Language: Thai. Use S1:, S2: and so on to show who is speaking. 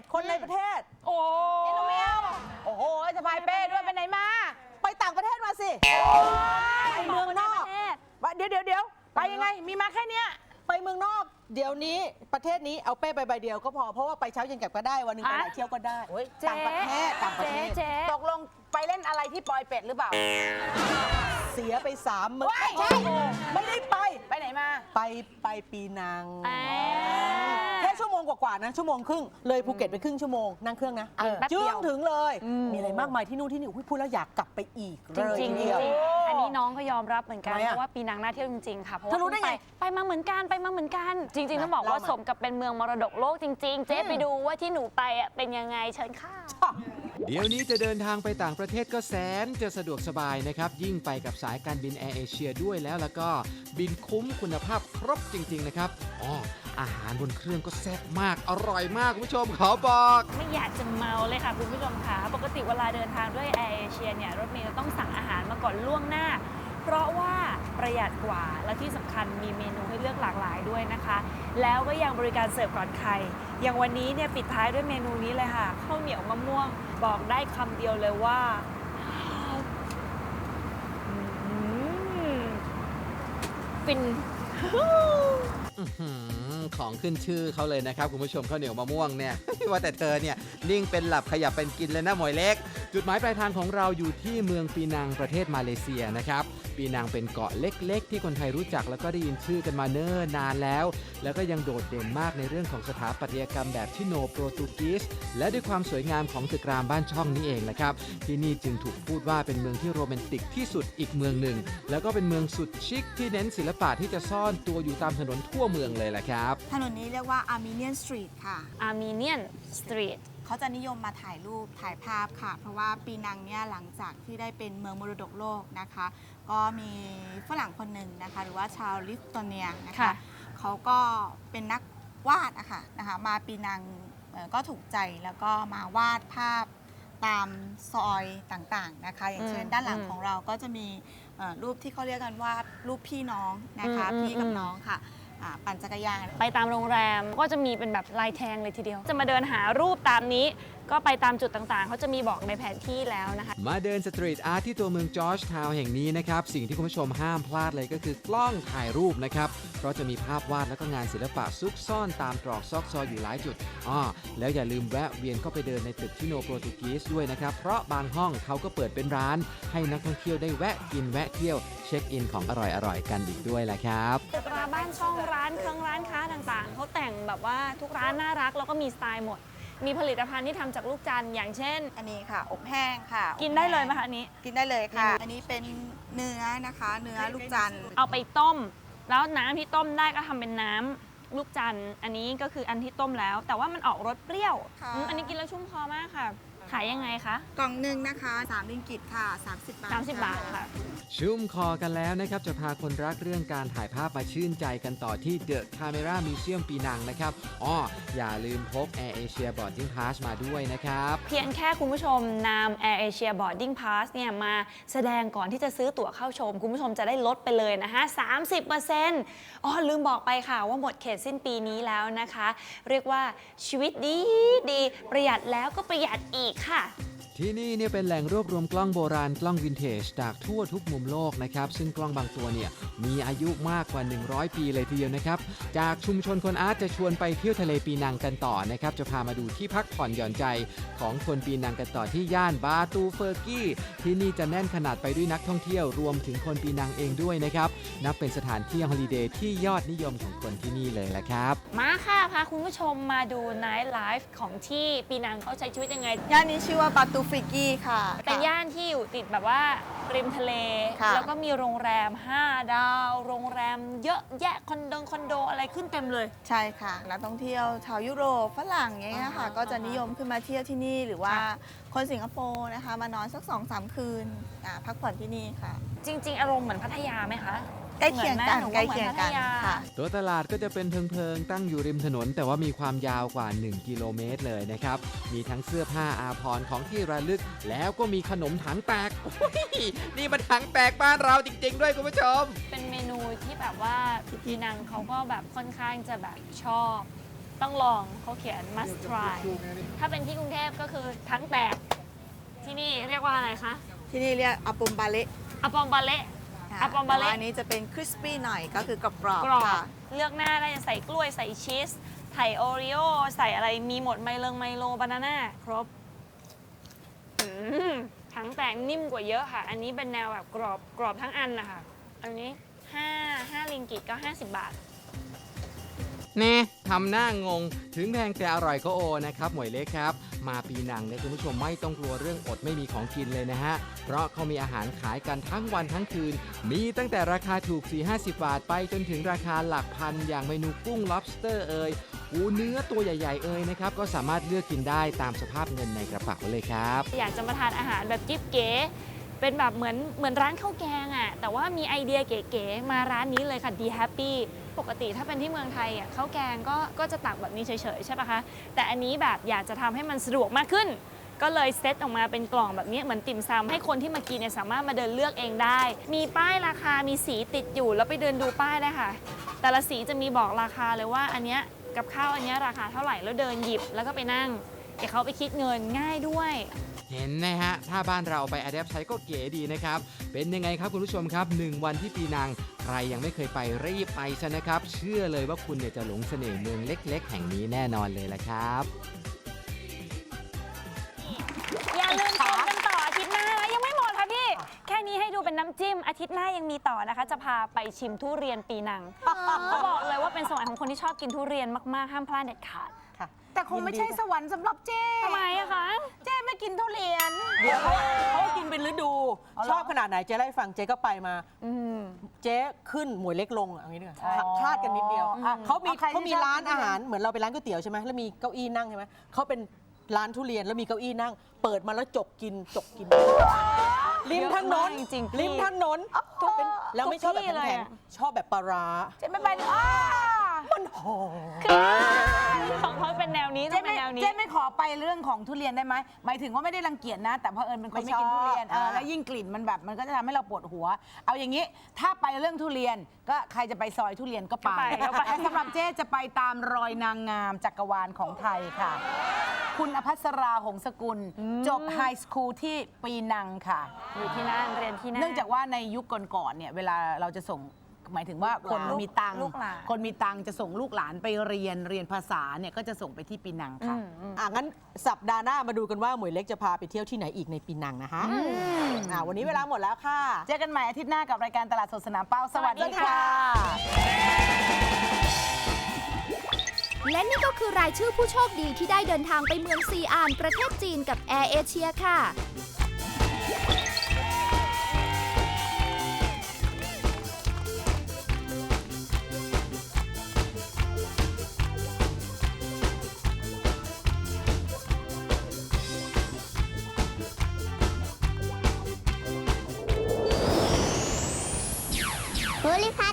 S1: คนในประเทศ
S2: โอ้ยน้องเมียว
S3: โอ้โหสะพายเป้ด้วยไปไหนมา
S1: ไปต่างประเทศมาสิไปเมืองนอก
S3: เดี๋ยวไปยังไงมีมาแค่เนี้ย
S1: ไปเมืองนอก เดี๋ยวนี้ประเทศนี้เอาเป้ไปใบเดียวก็พอเพราะว่าไปเช้าเย็นกลับก็ได้วันหนึงไปไหนเที่ยวก็ได้
S2: เจ๊
S1: ต่างประเทศต่างประเทศ
S2: เจ๊
S3: ตกลงไปเล่นอะไรที่ปอยเป็ดหรือเปล่า
S1: เสียไป3 มื้อ
S3: ว้าย
S1: ใช่ไม่ได้ไป
S3: ไปไหนมา
S1: ไปปีนัง
S2: อ่า
S1: แค่ชั่วโมงกว่าๆนะชั่วโมงครึ่งเลยภูเก็ตไปครึ่งชั่วโมงนั่งเครื่องนะ
S3: แป๊บเดี
S1: จึ้
S3: ยว
S1: งถึงเลย มีอะไรมากมายที่นู่นที่นี่อุ๊ยพูดแล้วอยากกลับไปอีก
S2: จริง
S1: เลย
S2: จริง
S1: ทีเดียว
S2: อันนี้น้องก็ยอมรับเหมือนกัน
S1: ทำไมอะ
S2: เพราะว่าปีนังน่าเที่ยวจริงๆค่ะเพราะ
S1: เธอรู้ได้ไง
S2: ไปมาเหมือนกันไปมาเหมือนกัน จริงๆต้องบอกว่า
S1: เล่ามา
S2: สมกับเป็นเมืองมรดกโลกจริง ๆ เจ๊ไปดูว่าที่หนูไปอ่ะเป็นยังไงเชิญค่ะ
S4: เดี๋ยวนี้จะเดินทางไปต่างประเทศก็แสนจะสะดวกสบายนะครับ ยิ่งไปกับสายการบินแอร์เอเชียด้วยแล้วก็บินคุ้มคุณภาพครบจริง ๆ นะครับอาหารบนเครื่องก็แซ่บมากอร่อยมากคุณผู้ชมขอบอก
S2: ไม่อยากจะเมาเลยค่ะคุณผู้ชมค่ะปกติเวลาเดินทางด้วยแอร์เอเชียเนี่ยรถเมล์จะต้องสั่งอาหารมาก่อนล่วงหน้า เพราะว่าประหยัดกว่าและที่สำคัญมีเมนูให้เลือกหลากหลายด้วยนะคะ แล้วก็ยังบริการเสิร์ฟก่อนใครอย่างวันนี้เนี่ยปิดท้ายด้วยเมนูนี้เลยค่ะข้าวเหนียวมะม่วงบอกได้คำเดียวเลยว่าฟิน
S4: ของขึ้นชื่อเขาเลยนะครับคุณผู้ชมข้าวเหนียวมะม่วงเนี่ย ว่าแต่เธอเนี่ยนิ่งเป็นหลับขยับเป็นกินเลยนะหมวยเล็ก จุดหมายปลายทางของเราอยู่ที่เมืองปีนังประเทศมาเลเซียนะครับปีนังเป็นเกาะเล็กๆ ที่คนไทยรู้จักแล้วก็ได้ยินชื่อกันมาเนิ่นนานแล้วแล้วก็ยังโดดเด่นมากในเรื่องของสถาปัตยกรรมแบบชิโนโปรตุกีสและด้วยความสวยงามของตึกรามบ้านช่องนี่เองนะครับที่นี่จึงถูกพูดว่าเป็นเมืองที่โรแมนติกที่สุดอีกเมืองหนึ่งแล้วก็เป็นเมืองสุดชิคที่เน้นศิลปะที่จะซ่อนตัวอยู่ตามถนนทั่วเมืองเลยแหละครับ
S5: ถนนนี้เรียกว่า Armenian Street ค่ะ
S2: Armenian Street
S5: เขาจะนิยมมาถ่ายรูปถ่ายภาพค่ะ เพราะว่าปีนังเนี่ยหลังจากที่ได้เป็นเมืองมรดกโลกนะคะ ก็มีฝรั่งคนหนึ่งนะคะ หรือว่าชาวลิทัวเนียนะคะ
S2: ค่ะ
S5: เขาก็เป็นนักวาดนะคะมาปีนังก็ถูกใจแล้วก็มาวาดภาพตามซอยต่างๆนะคะ อย่างเช่นด้านหลังของเราก็จะมีรูปที่เขาเรียกกันว่ารูปพี่น้องนะคะพี่กับน้องค่ะปั่นจักรยาน
S2: ไปตามโรงแรมก็จะมีเป็นแบบลายแทงเลยทีเดียว จะมาเดินหารูปตามนี้ ก็ไปตามจุดต่างๆ เขาจะมีบอกในแผนที่แล้วนะคะ
S4: มาเดินสตรีทอาร์ตที่ตัวเมืองจอร์จทาวน์แห่งนี้นะครับสิ่งที่คุณผู้ชมห้ามพลาดเลยก็คือกล้องถ่ายรูปนะครับเพราะจะมีภาพวาดและก็งานศิลปะซุกซ่อนตามตรอกซอกซอยอยู่หลายจุดแล้วอย่าลืมแวะเวียนเข้าไปเดินในตึกชิโนโปรตุกีสด้วยนะครับเพราะบางห้องเขาก็เปิดเป็นร้านให้นักท่องเที่ยวได้แวะกินแวะเที่ยวเช็คอินของอร่อยๆกันอีกด้วยแหละครับ
S2: ตึกราบ้านช่องร้านเครื่องร้านค้าต่างๆ เขาแต่งแบบว่าทุกร้านน่ารักแล้วก็มีสไตล์หมด มีผลิตภัณฑ์ที่ทำจากลูกจันทร์อย่างเช่น
S5: อันนี้ค่ะอบแห้งค่ะ
S2: กินได้เลยไหมคะอันนี้
S5: กินได้เลยค่ะ อันนี้เป็นเนื้อนะคะเนื้อลูกจันทร์
S2: เอาไปต้ม แล้วน้ำที่ต้มได้ก็ทำเป็นน้ำลูกจันทร์อันนี้ก็คืออันที่ต้มแล้ว แต่ว่ามันออกรสเปรี้ยวอันนี้กินแล้วชุ่มคอมากค่ะ ขายยังไงคะ
S5: กล่องหนึ่งนะคะ3ริงกิตค่ะ30 บาท
S2: 30 บาทค่ะ
S4: ชุ่มคอกันแล้วนะครับจะพาคนรักเรื่องการถ่ายภาพมาชื่นใจกันต่อที่ The Camera Museum ปีนังนะครับอย่าลืมพก Air Asia Boarding Pass มาด้วยนะครับ
S2: เพียงแค่คุณผู้ชมนำ Air Asia Boarding Pass เนี่ยมาแสดงก่อนที่จะซื้อตั๋วเข้าชม คุณผู้ชมจะได้ลดไปเลยนะคะ 30%ลืมบอกไปค่ะว่าหมดเขตสิ้นปีนี้แล้วนะคะ เรียกว่าชีวิตดีประหยัดแล้วก็ประหยัดอีกค่ะ
S4: ที่นี่เนี่ยเป็นแหล่งรวบรวมกล้องโบราณกล้องวินเทจจากทั่วทุกมุมโลกนะครับซึ่งกล้องบางตัวเนี่ยมีอายุมากกว่า 100 ปีเลยทีเดียวนะครับจากชุมชนคนอาร์ตจะชวนไปเที่ยวทะเลปีนังกันต่อนะครับจะพามาดูที่พักผ่อนหย่อนใจของคนปีนังกันต่อที่ย่านบาตูเฟอร์กี้ที่นี่จะแน่นขนาดไปด้วยนักท่องเที่ยวรวมถึงคนปีนังเองด้วยนะครับนับเป็นสถานที่ฮอลิเดย์ที่ยอดนิยมของคนที่นี่เลยแหละครับ
S2: มาค่ะพาคุณผู้ชมมาดู Night Life ของที่ปีนังเขาใช้ชีวิตยังไง
S5: ย่านนี้ชื่อว่าบาตูฟิกี้ค่ะ
S2: เป็นย่านที่อยู่ติดแบบว่าริมทะเล
S5: ค่ะ
S2: แล้วก็มีโรงแรม 5 ดาว โรงแรมเยอะแยะคอนโดอะไรขึ้นเต็มเลย
S5: ใช่ค่ะนักท่องเที่ยวชาวยุโรปฝรั่งอย่างเงี้ยค่ะก็จะนิยมขึ้นมาเที่ยวที่นี่หรือว่าคนสิงคโปร์นะคะมานอนสัก 2-3 คืนพักผ่อนที่นี่ค่ะ
S2: จริง ๆ อารมณ์เหมือนพัทยาไหมคะ
S5: ใกล้เคียงกัน
S2: หมือไหม
S5: ใกล้เคียงกัน
S2: หนูว่าหมือพัทยา
S5: ค่ะ
S4: ตัวตลาดก็จะเป็นเพิงๆตั้งอยู่ริมถนนแต่ว่ามีความยาวกว่า 1 กิโลเมตรเลยนะครับ มีทั้งเสื้อผ้าอาภรณ์ของที่ระลึก แล้วก็มีขนมถังแตกโอ้ยนี่มันถังแตกบ้านเราจริงๆด้วยคุณผู้ชม
S2: เป็นเมนูที่แบบว่าปีนังเขาก็แบบค่อนข้างจะแบบชอบต้องลองเขาเขียน must try ถ้าเป็นที่กรุงเทพก็คือทั้งแตกที่นี่เรียกว่าอะไรคะ
S5: ที่นี่เรียกอาปมบาเละ
S2: อะปอมบาเละอะปอมบา
S5: แต่
S2: เละ
S5: ว่าอันนี้จะเป็นคริสปี้หน่อยก็คือกรอบ
S2: กรอบ
S5: ๆค่ะ
S2: เลือกหน้าได้จะใส่กล้วยใส่ชีสใส่โอรีโอใส่อะไรมีหมดไมโลบานาน่าครบทั้งแตกนิ่มกว่าเยอะค่ะ อันนี้เป็นแนวแบบกรอบทั้งอันนะคะอันนี้5 ริงกิตก็50 บาท
S4: แน่ทำหน้างงถึงแพงแต่อร่อยก็โอนะครับหมวยเล็กครับ มาปีนังเนี่ยคุณผู้ชมไม่ต้องกลัวเรื่องอดไม่มีของกินเลยนะฮะ เพราะเขามีอาหารขายกันทั้งวันทั้งคืน มีตั้งแต่ราคาถูก 4-50 บาทไปจนถึงราคาหลักพันอย่างเมนูกุ้ง lobster เอ่ยเนื้อตัวใหญ่ๆเอ่ยนะครับก็สามารถเลือกกินได้ตามสภาพเงินในกระเป๋าเลยครับ
S2: อยากจะมาทานอาหารแบบจิ๊บเก๋เป็นแบบเหมือนร้านข้าวแกงอ่ะแต่ว่ามีไอเดียเก๋ๆมาร้านนี้เลยค่ะ ดีแฮปปี้ปกติถ้าเป็นที่เมืองไทยอ่ะข้าวแกงก็จะตักแบบนี้เฉยๆใช่ปะคะแต่อันนี้แบบอยากจะทำให้มันสะดวกมากขึ้น ก็เลยเซตออกมาเป็นกล่องแบบนี้เหมือนติ่มซำให้คนที่มากินเนี่ยสามารถมาเดินเลือกเองได้ มีป้ายราคามีสีติดอยู่แล้วไปเดินดูป้ายได้ค่ะ แต่ละสีจะมีบอกราคาเลยว่าอันเนี้ยกับข้าวอันเนี้ยราคาเท่าไหร่แล้วเดินหยิบแล้วก็ไปนั่งเดี๋ยวเขาไปคิดเงินง่ายด้วย
S4: เห็นนะฮะ ถ้าบ้านเราไปอะแดปใช้ก็เก๋ดีนะครับ เป็นยังไงครับคุณผู้ชมครับ 1 วันที่ปีนัง ใครยังไม่เคยไปรีบไปซะนะครับ เชื่อเลยว่าคุณเนี่ยจะหลงเสน่ห์เมืองเล็กๆ แห่งนี้แน่นอนเลยละครับ
S2: อย่าลืมชมกันต่ออาทิตย์หน้านะยังไม่หมดค่ะพี่ แค่นี้ให้ดูเป็นน้ำจิ้มอาทิตย์หน้ายังมีต่อนะคะ จะพาไปชิมทุเรียนปีนังเขาบอกเลยว่าเป็นสวรรค์ของคนที่ชอบกินทุเรียนมากๆห้ามพลาดเด็ดขาด
S1: ค่ะ
S3: แต่คงไม่ใช่สวรรค์สำหรับเจ้
S2: ทำไมอะคะ
S3: เจ้ไม่กินทุเรียน
S1: เดี๋ยวเขากินเป็นฤดู
S3: เอาเหรอ
S1: ชอบขนาดไหนเจ๊เล่าให้ฟังเจ๊ก็ไปมา
S2: อืม
S1: เจ๊ขึ้นหมวยเล็กลงอ่ะอย่างนี้ดีกว่า
S3: อ๋อ
S1: คลาดกันนิดเดียว
S3: อ่ะ
S1: เขามี
S3: เอาใครที่
S1: เขามี
S3: ชอบ
S1: ร้าน
S3: กินทุเรียน
S1: อาหารเหมือนเราไปร้านก๋วยเตี๋ยวใช่ไหมแล้วมีเก้าอี้นั่งใช่ไหมเขาเป็นร้านทุเรียนแล้วมีเก้าอี้นั่ง เปิดมาแล้วจกกินริมถนน
S2: เยอะมากจริงๆ
S1: ริมถนนเป็นแล้วไม่ชอบแบบ
S2: ทุกที่เลย
S1: แข็ง
S2: อะ
S1: ๆชอบแบบปลาร้า
S3: เจ๊ไม่ไปเลยอ้า
S1: มันหอม
S2: ของเขาเป็นแนวนี้ต้
S3: เจ๊
S2: องเป็
S3: ไม่
S2: นแนวนี้
S3: เจ๊ไม่ขอไปเรื่องของทุเรียนได้ไหมหมายถึงว่าไม่ได้รังเกียจนะ แต่เพอเอิญเป็นคนไม่กินทุเรียนแล้วยิ่งกลิ่นมันแบบมันก็จะทำให้เราปวดหัว เอาอย่างนี้ถ้าไปเรื่องทุเรียนก็ใครจะไปซอยทุเรียนก็ไป
S2: ก็ไป
S3: แต่สำหรับเจ๊จะไปตามรอยนางงามจักรวาลของไทยค่ะ คุณอภัสราหงสกุล จบไฮสคูลที่ปีนังค่ะ
S2: อยู่ที่นั่นเรียนที่นั่น
S3: เนื่องจากว่าในยุคก่อนๆเนี่ยเวลาเราจะส่งหมายถึงว่าคนมีตังค์
S2: ลูกหลาน
S3: คนมีตังค์จะส่งลูกหลานไปเรียนภาษาเนี่ยก็จะส่งไปที่ปีนังค่ะ
S1: งั้นสัปดาห์หน้ามาดูกันว่าหมวยเล็กจะพาไปเที่ยวที่ไหนอีกในปีนังนะคะวันนี้เวลาหมดแล้วค่ะ
S3: เจอกันใหม่อาทิตย์หน้ากับรายการตลาดสดสนามเป้าสวัสดีค่ะ
S6: และนี่ก็คือรายชื่อผู้โชคดีที่ได้เดินทางไปเมืองซีอานประเทศจีนกับแอร์เอเชียค่ะ
S7: ภูริพัฒน์